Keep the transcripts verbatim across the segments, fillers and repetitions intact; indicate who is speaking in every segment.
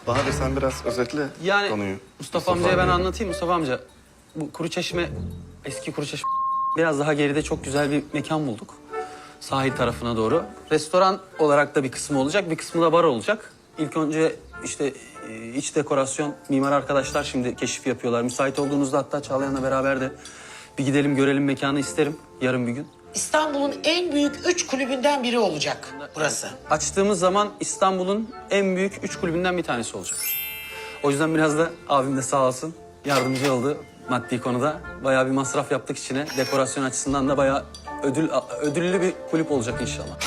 Speaker 1: Bahadır sen biraz özetle
Speaker 2: Yani
Speaker 1: konuyu.
Speaker 2: Mustafa, amcaya ben
Speaker 1: amcaya.
Speaker 2: anlatayım. Mustafa amca, bu Kuruçeşme, eski Kuruçeşme biraz daha geride çok güzel bir mekan bulduk. Sahil tarafına doğru. Restoran olarak da bir kısmı olacak, bir kısmı da bar olacak. İlk önce işte e, iç dekorasyon, mimar arkadaşlar şimdi keşif yapıyorlar. Müsait olduğunuzda hatta Çağlayan'la beraber de bir gidelim görelim mekanı isterim yarın bir gün.
Speaker 3: İstanbul'un en büyük üç kulübünden biri olacak burası.
Speaker 2: Açtığımız zaman İstanbul'un en büyük üç kulübünden bir tanesi olacak. O yüzden biraz da abim de sağ olsun yardımcı oldu maddi konuda. Bayağı bir masraf yaptık içine. Dekorasyon açısından da bayağı ödül ödüllü bir kulüp olacak inşallah.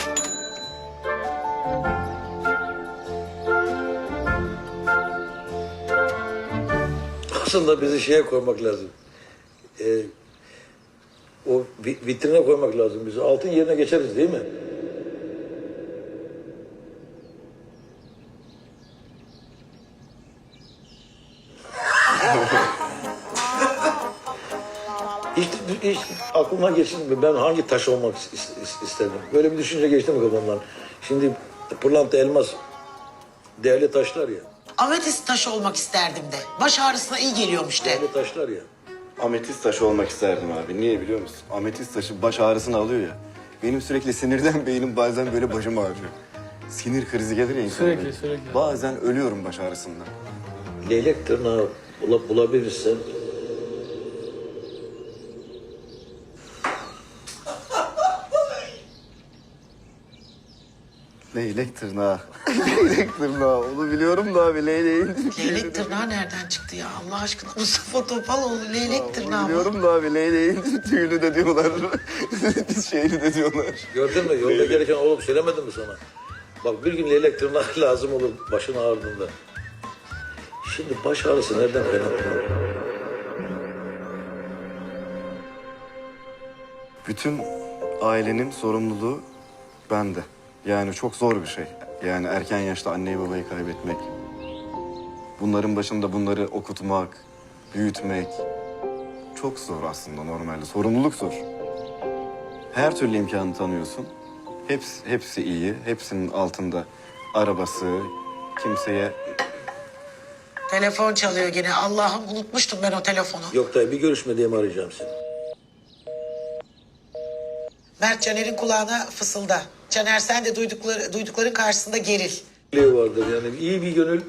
Speaker 4: Aslında bizi şeye koymak lazım. Ee, o vi- vitrine koymak lazım bizi. Altın yerine geçeriz değil mi? hiç, hiç aklıma geçti mi? Ben hangi taş olmak is- is- isterdim? Böyle bir düşünce geçti mi kafamdan? Şimdi pırlanta, elmas değerli taşlar ya.
Speaker 3: Ametist taşı olmak isterdim de. Baş ağrısına iyi geliyormuş de.
Speaker 4: Değerli taşlar ya.
Speaker 1: Ametist taşı olmak isterdim abi. Niye biliyor musun? Ametist taşı baş ağrısını alıyor ya. Benim sürekli sinirden beynim bazen böyle başım ağrıyor. Sinir krizi gelir ya insana.
Speaker 2: Sürekli, sürekli.
Speaker 1: Bazen ölüyorum baş ağrısından.
Speaker 4: Leylek tırnağı bula- bulabilirsen
Speaker 1: Leylek tırnağı. Leylek tırnağı. Onu biliyorum da abi leyleğin.
Speaker 3: Leylek tırnağı nereden çıktı ya? Allah aşkına Mustafa Topaloğlu leylek tırnağı mı?
Speaker 1: Biliyorum da abi leyleğin tüyünü de diyorlar. Şeyini de diyorlar.
Speaker 4: gördün mü? Yolda gelirken oğlum söylemedim mi sana? Bak bir gün leylek tırnağı lazım olur başın ağrıdığında. Şimdi baş ağrısı nereden kaynaklanıyor?
Speaker 1: Bütün ailenin sorumluluğu bende. Yani çok zor bir şey. Yani erken yaşta anneyi babayı kaybetmek. Bunların başında bunları okutmak, büyütmek. Çok zor aslında normalde. Sorumluluk zor. Her türlü imkanı tanıyorsun. Hepsi, hepsi iyi. Hepsinin altında arabası, kimseye...
Speaker 3: Telefon çalıyor gene. Allah'ım unutmuştum ben o telefonu.
Speaker 4: Yok dayı bir görüşme diye mi arayacağım seni?
Speaker 3: Mert Caner'in kulağına fısılda. Caner sen de duydukları, duydukların karşısında geril.
Speaker 4: Leylek vardır yani iyi bir gönül.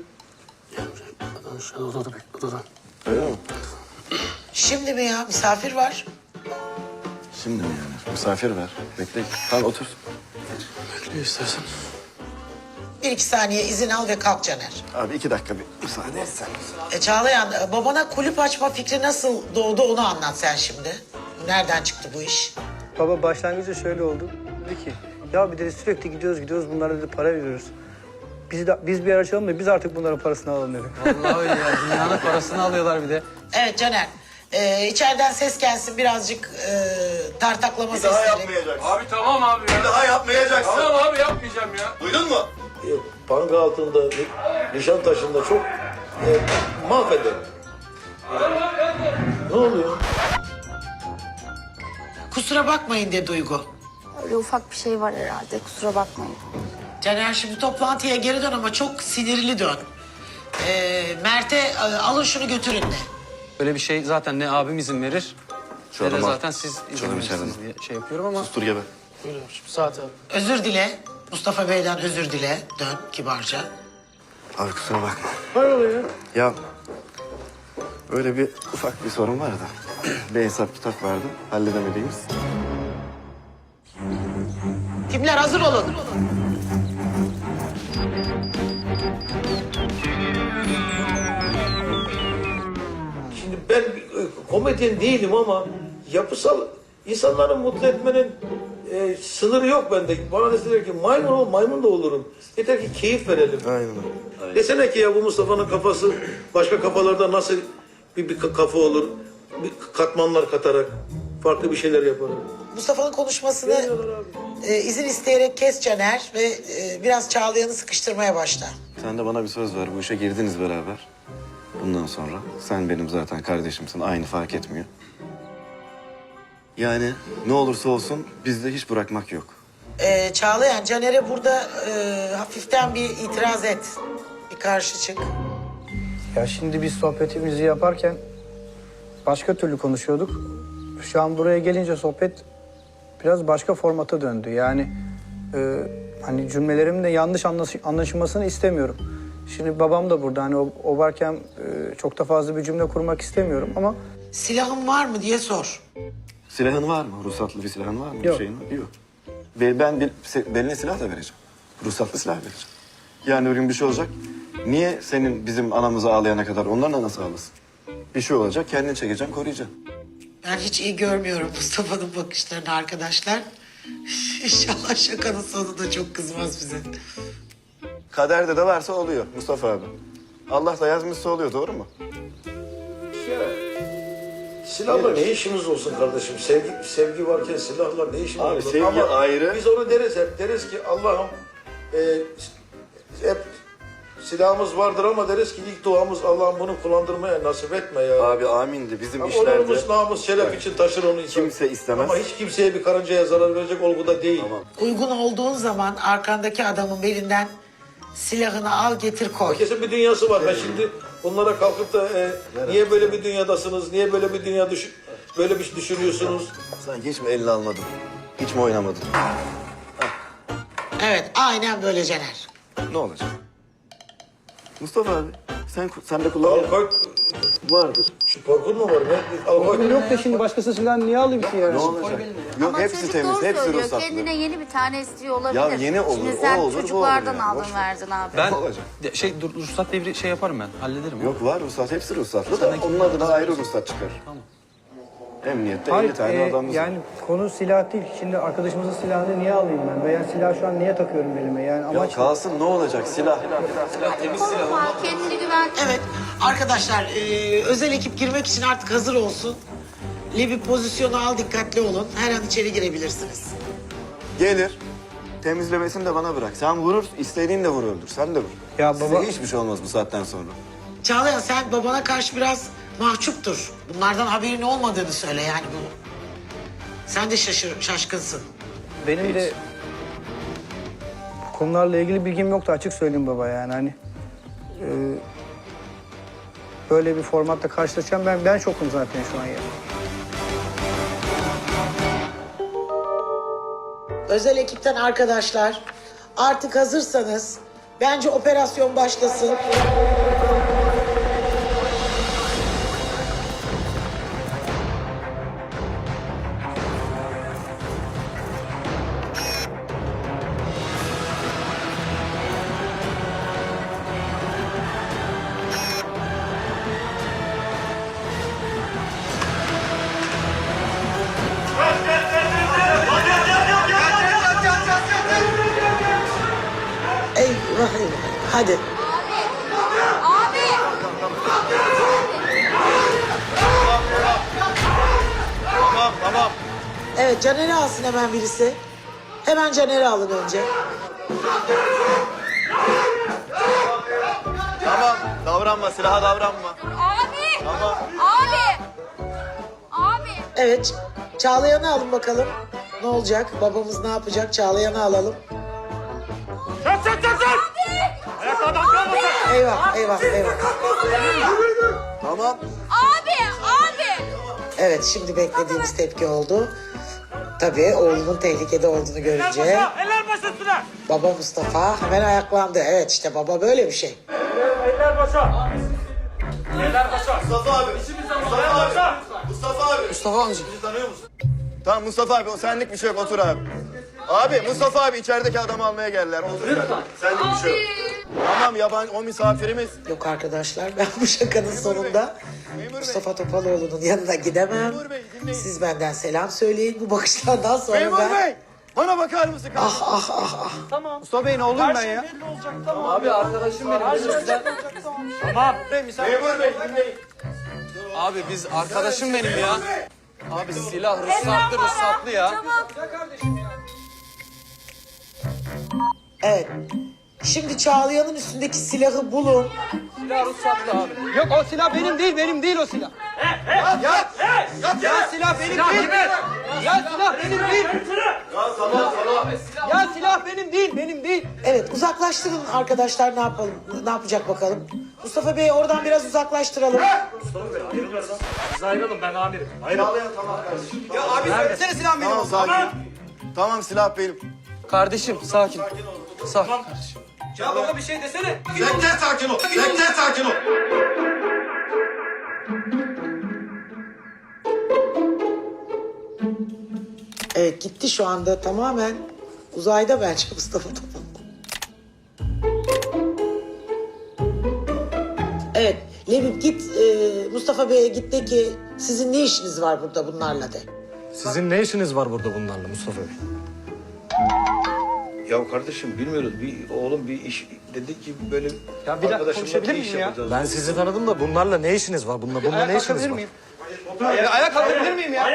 Speaker 1: Öyle mi?
Speaker 3: Şimdi mi ya? Misafir var.
Speaker 1: Şimdi mi yani? Misafir ver. Bekle. Tamam otur.
Speaker 2: Ne istersen.
Speaker 3: Bir iki saniye izin al ve kalk Caner.
Speaker 1: Abi iki dakika bir müsaade etsen.
Speaker 3: E Çağlayan, e, babana kulüp açma fikri nasıl doğdu onu anlat sen şimdi. Nereden çıktı bu iş?
Speaker 5: Baba başlangıçta şöyle oldu. Dedi ki ya bir dedi sürekli gidiyoruz gidiyoruz bunlara dedi para veriyoruz. Biz de, biz bir yer açalım da biz artık bunların parasını alalım dedi.
Speaker 2: Vallahi öyle ya. Dünyanın parasını alıyorlar bir de.
Speaker 3: Evet Caner, e, içeriden ses gelsin birazcık e, tartaklama sesleri.
Speaker 6: Abi tamam abi ya.
Speaker 1: Bir daha yapmayacaksın.
Speaker 6: Tamam abi yapmayacağım ya.
Speaker 1: Duydun mu?
Speaker 4: E, Panga altında, ni- Nişantaşı'nda çok e, mahveder. Ne oluyor?
Speaker 3: Kusura bakmayın de Duygu.
Speaker 7: Öyle ufak bir şey var herhalde, kusura bakmayın.
Speaker 3: Caner şimdi toplantıya geri dön ama çok sinirli dön. E, Mert'e e, alın şunu götürün de.
Speaker 2: Böyle bir şey zaten ne abim izin verir,
Speaker 1: Şu
Speaker 2: ne de
Speaker 1: adamı al.
Speaker 2: zaten siz izin
Speaker 1: Şunu
Speaker 2: verirsiniz
Speaker 1: içeriden.
Speaker 2: diye şey yapıyorum ama...
Speaker 1: Sustur gebe.
Speaker 3: Özür dile. Mustafa Bey'den özür dile. Dön kibarca.
Speaker 1: Abi kusura bakma. Hayrola ya? Ya öyle bir ufak bir sorun var da. Bir hesap kitap vardı. Halledemediğimiz.
Speaker 3: Timler hazır olun.
Speaker 4: Şimdi ben bir, e, komedyen değilim ama yapısal insanları mutlu etmenin e, sınırı yok bende. Bana deseler ki maymun ol, maymun da olurum. Yeter ki keyif verelim.
Speaker 1: Aynen öyle.
Speaker 4: Desene ki ya bu Mustafa'nın kafası başka kafalarda nasıl bir, bir kafa olur? Bir katmanlar katarak farklı bir şeyler yaparak.
Speaker 3: Mustafa'nın konuşmasını e, izin isteyerek kes Caner ve e, biraz Çağlayan'ı sıkıştırmaya başla.
Speaker 1: Sen de bana bir söz ver. Bu işe girdiniz beraber. Bundan sonra sen benim zaten kardeşimsin. Aynı fark etmiyor. Yani ne olursa olsun bizde hiç bırakmak yok.
Speaker 3: E, Çağlayan, Caner'e burada e, hafiften bir itiraz et. Bir karşı çık.
Speaker 5: Ya şimdi biz sohbetimizi yaparken başka türlü konuşuyorduk. Şu an buraya gelince sohbet biraz başka formata döndü. Yani e, hani cümlelerimin de yanlış anlaş- anlaşılmasını istemiyorum. Şimdi babam da burada. Hani o, o varken e, çok da fazla bir cümle kurmak istemiyorum ama
Speaker 3: Silahın var mı diye sor.
Speaker 1: Silahın var mı? Ruhsatlı bir silahın var mı? Bir
Speaker 5: Yok.
Speaker 1: şeyin var mı? Yok. Be- Ben bir, se- beline silah da vereceğim. Ruhsatlı silah vereceğim. Yani bir gün bir şey olacak. Niye senin bizim anamızı ağlayana kadar onların anası ağlasın? Bir şey olacak, kendini çekeceksin, koruyacaksın.
Speaker 3: Ben hiç iyi görmüyorum Mustafa'nın bakışlarını arkadaşlar. İnşallah şakanın sonunda çok kızmaz bize.
Speaker 1: Kaderde de varsa oluyor Mustafa abi. Allah da yazmışsa oluyor, doğru mu?
Speaker 4: Silahla ne işimiz olsun kardeşim? Sevgi sevgi varken silahla ne işimiz
Speaker 1: Abi,
Speaker 4: olur?
Speaker 1: sevgi
Speaker 4: Ama
Speaker 1: ayrı.
Speaker 4: biz onu deriz hep. Deriz ki Allah'ım e, hep silahımız vardır ama deriz ki ilk duamız Allah'ım bunu kullandırmaya nasip etme ya.
Speaker 1: Abi amindi. Bizim
Speaker 4: Ama
Speaker 1: işlerde
Speaker 4: onurumuz, namus, şeref için taşır onu insan.
Speaker 1: kimse istemez.
Speaker 4: Ama hiç kimseye bir karıncaya zarar verecek olguda değil.
Speaker 1: Tamam.
Speaker 3: Uygun olduğun zaman arkandaki adamın belinden silahını al getir koy.
Speaker 4: Herkesin bir dünyası var. Ben şimdi bunlara kalkıp da e, niye böyle bir dünyadasınız, niye böyle bir dünya düş böyle bir şey düşünüyorsunuz?
Speaker 1: Sanki hiç mi elini almadın? Hiç mi oynamadın?
Speaker 3: Evet aynen böyle Caner.
Speaker 1: Ne olacak? Mustafa abi, sen sen de kullanıyor.
Speaker 4: Alkoy
Speaker 1: Vardır.
Speaker 4: şu korkun mu var? Ne? Alkoy
Speaker 5: benim yok da şimdi başkası silahını niye alayım ki yani?
Speaker 1: Ne olacak? Yok,
Speaker 7: Ama
Speaker 1: hepsi
Speaker 7: çocuk
Speaker 1: temiz,
Speaker 7: doğru
Speaker 1: hepsi
Speaker 7: söylüyor.
Speaker 1: ruhsatlı.
Speaker 7: Kendine yeni bir tane istiyor olabilir.
Speaker 1: Ya yeni olur,
Speaker 7: Şimdi
Speaker 1: o
Speaker 7: sen
Speaker 1: olur, bu olur
Speaker 7: çocuklardan
Speaker 1: yani,
Speaker 7: aldın
Speaker 1: boş ver.
Speaker 7: verdin abi.
Speaker 2: Ben
Speaker 1: Ne olacak?
Speaker 2: de- şey dur, ruhsat devri şey yaparım ben. Hallederim.
Speaker 1: Yok var ruhsat, hepsi ruhsatlı da onun adına ayrı ruhsat çıkar.
Speaker 2: Tamam.
Speaker 1: Emniyette
Speaker 5: Hayır,
Speaker 1: elli tane
Speaker 5: e,
Speaker 1: adamımız var.
Speaker 5: yani konu silah değil. Şimdi arkadaşımızın silahını niye alayım ben? Veya silah şu an niye takıyorum belime? Yani
Speaker 1: Ya
Speaker 5: amaç
Speaker 1: kalsın, ne olacak silah?
Speaker 7: Korkma, kendini güven.
Speaker 3: Evet arkadaşlar e, özel ekip girmek için artık hazır olsun. Levi pozisyonu al, dikkatli olun. Her an içeri girebilirsiniz.
Speaker 1: Gelir, temizlemesini de bana bırak. Sen vurur, istediğin de vur öldür, sen de vur.
Speaker 5: Ya
Speaker 1: Size
Speaker 5: baba-
Speaker 1: hiçbir şey olmaz bu saatten sonra.
Speaker 3: Çağlayan sen babana karşı biraz mahcuptur. Bunlardan haberin olmadığını söyle yani bu. Sen de şaşır, şaşkınsın.
Speaker 5: benim de bu konularla ilgili bilgim yoktu, açık söyleyeyim baba yani hani. e, böyle bir formatta karşılaşacağım ben ben şokum zaten şu an ya.
Speaker 3: Özel ekipten arkadaşlar artık hazırsanız bence operasyon başlasın. Eyvah eyvah. Hadi.
Speaker 7: Abi!
Speaker 1: Tamam, tamam.
Speaker 3: Evet Caner'i alsın hemen birisi. Hemen Caner'i alın önce.
Speaker 1: Tamam, davranma, silaha davranma.
Speaker 7: Abi!
Speaker 1: Tamam.
Speaker 7: Abi! Abi!
Speaker 3: Evet Çağlayan'ı alın bakalım. Ne olacak? Babamız ne yapacak? Çağlayan'ı alalım. Eyvah eyvah eyvah.
Speaker 1: Tamam.
Speaker 7: Abi! Abi!
Speaker 3: Evet şimdi beklediğimiz tepki oldu. Tabii oğlunun tehlikede olduğunu görünce baba Mustafa hemen ayaklandı. Evet işte baba böyle bir şey.
Speaker 1: Mustafa abi. Mustafa abi. Mustafa abi.
Speaker 2: Mustafa amca.
Speaker 1: Bizi tanıyor musun? Tamam Mustafa abi, o senlik bir şey yok, otur abi. Abi Mustafa abi içerideki adamı almaya geldiler. Otur lütfen. Senlik bir şey yok. Tamam yabancı, o misafirimiz.
Speaker 3: Yok arkadaşlar ben bu şakanın sonunda Mustafa Topaloğlu'nun yanına gidemem.
Speaker 1: Memur Bey, dinleyin.
Speaker 3: Siz benden selam söyleyin. Bu bakışlardan sonra
Speaker 1: Memur
Speaker 3: ben...
Speaker 1: Bey, bana bakar mısın?
Speaker 3: Ah ah ah ah.
Speaker 5: Mustafa Bey ne oğlum ben ya?
Speaker 2: Abi arkadaşım benim. Tamam.
Speaker 1: Memur Bey, dinleyin.
Speaker 2: Abi biz arkadaşım benim ya. Abi silah ruhsatlı ruhsatlı ya.
Speaker 3: Evet. Şimdi Çağlayan'ın üstündeki silahı bulun.
Speaker 2: Silah ruhsatlı abi.
Speaker 5: Yok o silah benim değil, benim değil o silah.
Speaker 1: Ya,
Speaker 5: Ya silah benim değil. Ya silah benim değil.
Speaker 1: ya tamam tamam.
Speaker 5: Ya silah benim değil, benim değil.
Speaker 3: Evet uzaklaştırın arkadaşlar ne yapalım? Ne yapacak bakalım? Mustafa Bey'i oradan biraz uzaklaştıralım.
Speaker 1: Tamam sakin. Tamam silah benim.
Speaker 2: Kardeşim sakin. Sakin.
Speaker 4: Bekle sakin ol. Bekle sakin ol.
Speaker 3: Evet gitti şu anda tamamen uzayda bence Mustafa Topal. Evet Lebip git e, Mustafa Bey'e git de ki sizin ne işiniz var burada bunlarla de.
Speaker 8: Sizin ne işiniz var burada bunlarla Mustafa Bey?
Speaker 4: Ya kardeşim bilmiyoruz. Bir oğlum bir iş dedi ki böyle
Speaker 5: Ya bir dakika
Speaker 4: arkadaşımla
Speaker 5: konuşabilir
Speaker 4: bir iş
Speaker 5: miyim ya?
Speaker 4: yapacağız.
Speaker 8: Ben sizi tanıdım da bunlarla ne işiniz var? Bununla, bununla ne işiniz var?
Speaker 5: Ayağa kalkabilir miyim ya?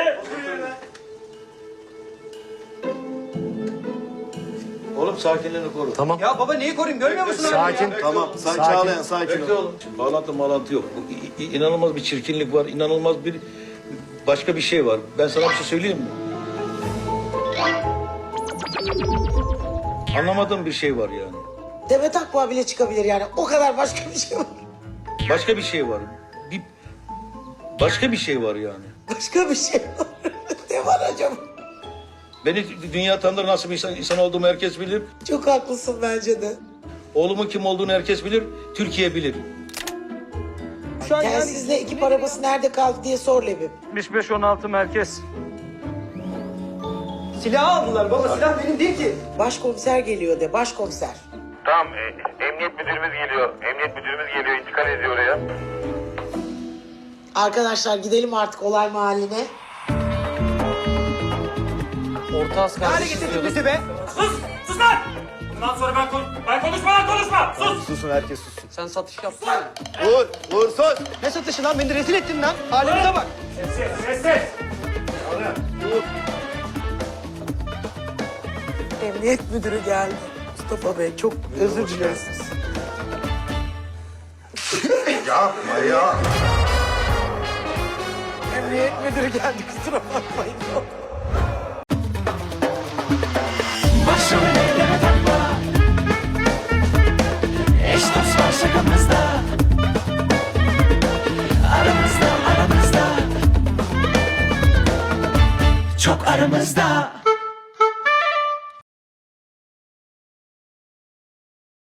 Speaker 4: Oğlum sakinliğini koru.
Speaker 8: Tamam.
Speaker 5: Ya baba neyi koruyayım görmüyor musun?
Speaker 8: Sakin.
Speaker 1: Tamam sen
Speaker 8: Sakin.
Speaker 1: Çağlayan sakin
Speaker 4: Bekle
Speaker 1: ol.
Speaker 4: oğlum. Bağlantı malantı yok. Bu, i- i- inanılmaz bir çirkinlik var. İnanılmaz bir başka bir şey var. Ben sana bir şey söyleyeyim mi? Anlamadığım bir şey var yani.
Speaker 3: Demet Akbağ bile çıkabilir yani o kadar başka bir şey var.
Speaker 4: Başka bir şey var. Bir başka bir şey var yani.
Speaker 3: Başka bir şey var. Ne var acaba?
Speaker 4: Beni dünya tanır, nasıl bir insan, insan olduğumu herkes bilir.
Speaker 3: Çok haklısın bence de.
Speaker 4: Oğlumun kim olduğunu herkes bilir. Türkiye bilir.
Speaker 5: Şu an yani
Speaker 3: Telsizle ekip arabası nerede kaldı diye sor Lebip.
Speaker 8: altmış beş on altı merkez.
Speaker 5: silah aldılar baba silah benim değil ki.
Speaker 3: Başkomiser geliyor de başkomiser.
Speaker 9: Tamam, e, emniyet müdürümüz geliyor. Emniyet müdürümüz geliyor, intikal ediyor oraya.
Speaker 3: Arkadaşlar gidelim artık olay mahalline.
Speaker 2: Orta az
Speaker 5: Hale
Speaker 2: kardeşim
Speaker 5: getirdin
Speaker 2: diyorduk.
Speaker 5: bizi be.
Speaker 6: Sus! Sus lan! Bundan sonra ben, kon ben konuşma lan konuşma! Sus!
Speaker 1: Susun herkes susun.
Speaker 2: Sen satış yaptın ya.
Speaker 1: Vur vur sus.
Speaker 5: Ne satışı lan beni rezil ettin lan. Halimize bak.
Speaker 6: Ses ses ses!
Speaker 3: Emniyet müdürü geldi. Mustafa Bey çok özür dileriz.
Speaker 1: Yapma ya.
Speaker 3: Emniyet müdürü geldi kusura bakmayın.
Speaker 10: Başımı elleme takma. Eş dost var şakamızda. Aramızda aramızda. Çok aramızda.